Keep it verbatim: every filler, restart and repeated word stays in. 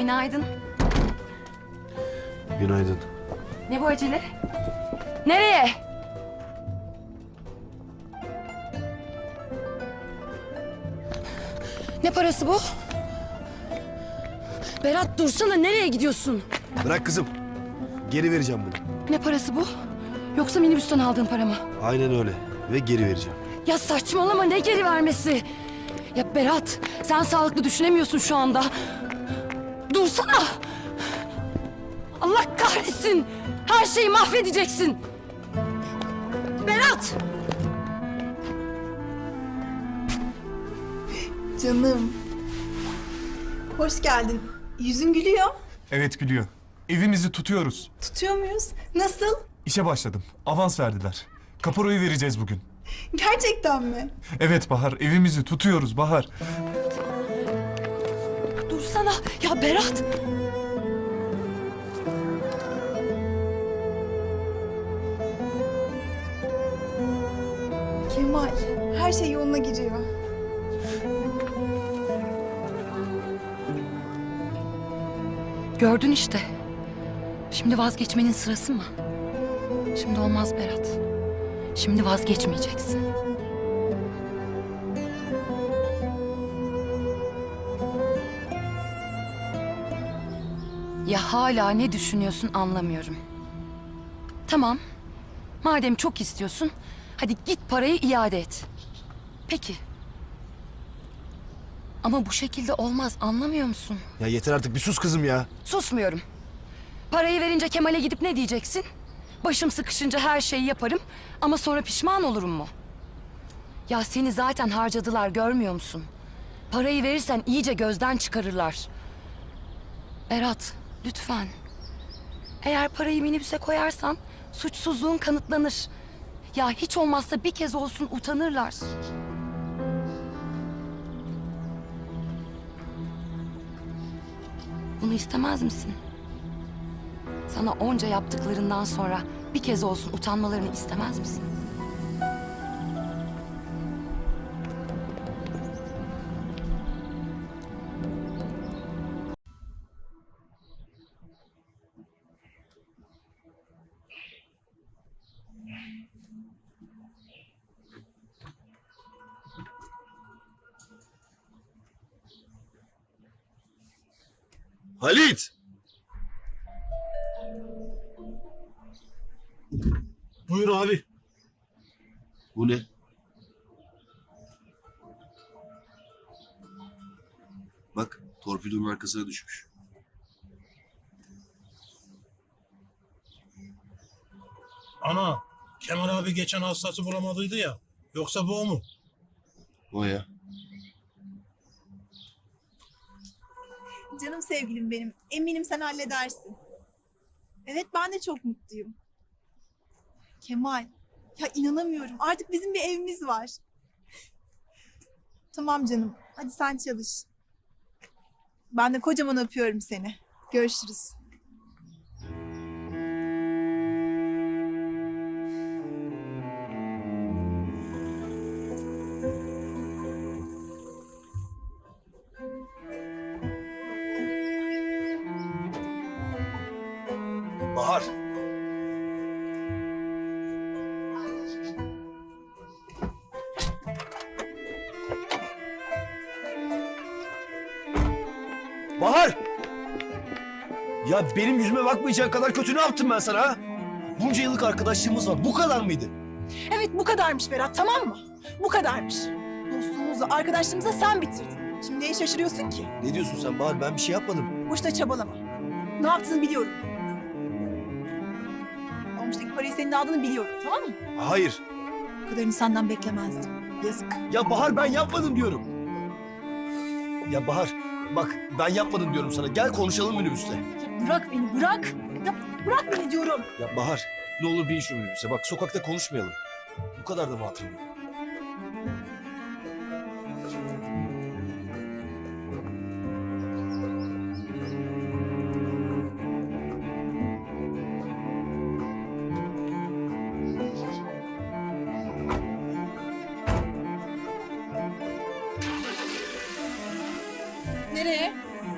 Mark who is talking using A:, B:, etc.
A: Günaydın.
B: Günaydın.
A: Ne bu acele? Nereye? Ne parası bu? Berat dursana, nereye gidiyorsun?
B: Bırak kızım. Geri vereceğim bunu.
A: Ne parası bu? Yoksa minibüsten aldığın para mı?
B: Aynen öyle. Ve geri vereceğim.
A: Ya saçmalama, ne geri vermesi? Ya Berat, sen sağlıklı düşünemiyorsun şu anda. Dursana! Allah kahretsin! Her şeyi mahvedeceksin! Berat!
C: Canım. Hoş geldin. Yüzün gülüyor.
D: Evet gülüyor. Evimizi tutuyoruz.
C: Tutuyor muyuz? Nasıl?
D: İşe başladım. Avans verdiler. Kaparayı vereceğiz bugün.
C: Gerçekten mi?
D: Evet Bahar, evimizi tutuyoruz Bahar.
A: Dursana! Ya Berat!
C: Kemal, her şey yoluna giriyor.
A: Gördün işte. Şimdi vazgeçmenin sırası mı? Şimdi olmaz Berat. Şimdi vazgeçmeyeceksin. Ya hala ne düşünüyorsun anlamıyorum. Tamam. Madem çok istiyorsun, hadi git parayı iade et. Peki. Ama bu şekilde olmaz, anlamıyor musun?
B: Ya yeter artık, bir sus kızım ya.
A: Susmuyorum. Parayı verince Kemal'e gidip ne diyeceksin? Başım sıkışınca her şeyi yaparım ama sonra pişman olurum mu? Ya seni zaten harcadılar, görmüyor musun? Parayı verirsen iyice gözden çıkarırlar. Berat, lütfen. Eğer parayı minibüse koyarsan suçsuzluğun kanıtlanır. Ya hiç olmazsa bir kez olsun utanırlar. Bunu istemez misin? Sana onca yaptıklarından sonra bir kez olsun utanmalarını istemez misin?
B: Halit! Buyur abi. Bu ne? Bak, torpidonun arkasına düşmüş.
E: Ana, Kemal abi geçen hastası bulamadıydı ya. Yoksa bu o mu?
B: O ya.
C: Canım sevgilim benim. Eminim sen halledersin. Evet, ben de çok mutluyum. Kemal, ya inanamıyorum. Artık bizim bir evimiz var. Tamam canım, hadi sen çalış. Ben de kocaman öpüyorum seni. Görüşürüz.
B: Bahar. Bahar! Ya benim yüzüme bakmayacağın kadar kötü ne yaptım ben sana ha? Bunca yıllık arkadaşlığımız var. Bu kadar mıydı?
C: Evet, bu kadarmış Berat, tamam mı? Bu kadarmış. Dostluğumuzu, arkadaşlığımızı sen bitirdin. Şimdi neye şaşırıyorsun ki?
B: Ne diyorsun sen Bahar? Ben bir şey yapmadım.
C: Boşuna çabalama. Ne yaptığını biliyorum. Olmuştaki parayı senin aldığını biliyorum, tamam mı?
B: Hayır.
C: Bu kadarını senden beklemezdim. Yazık.
B: Ya Bahar, ben yapmadım diyorum. Ya Bahar, bak ben yapmadım diyorum sana. Gel konuşalım minibüste.
C: Ya bırak beni, bırak. Ya bırak beni diyorum.
B: Ya Bahar, ne olur bin şu minibüse. Bak sokakta konuşmayalım. Bu kadar da mı hatırım yok?
C: Nereye?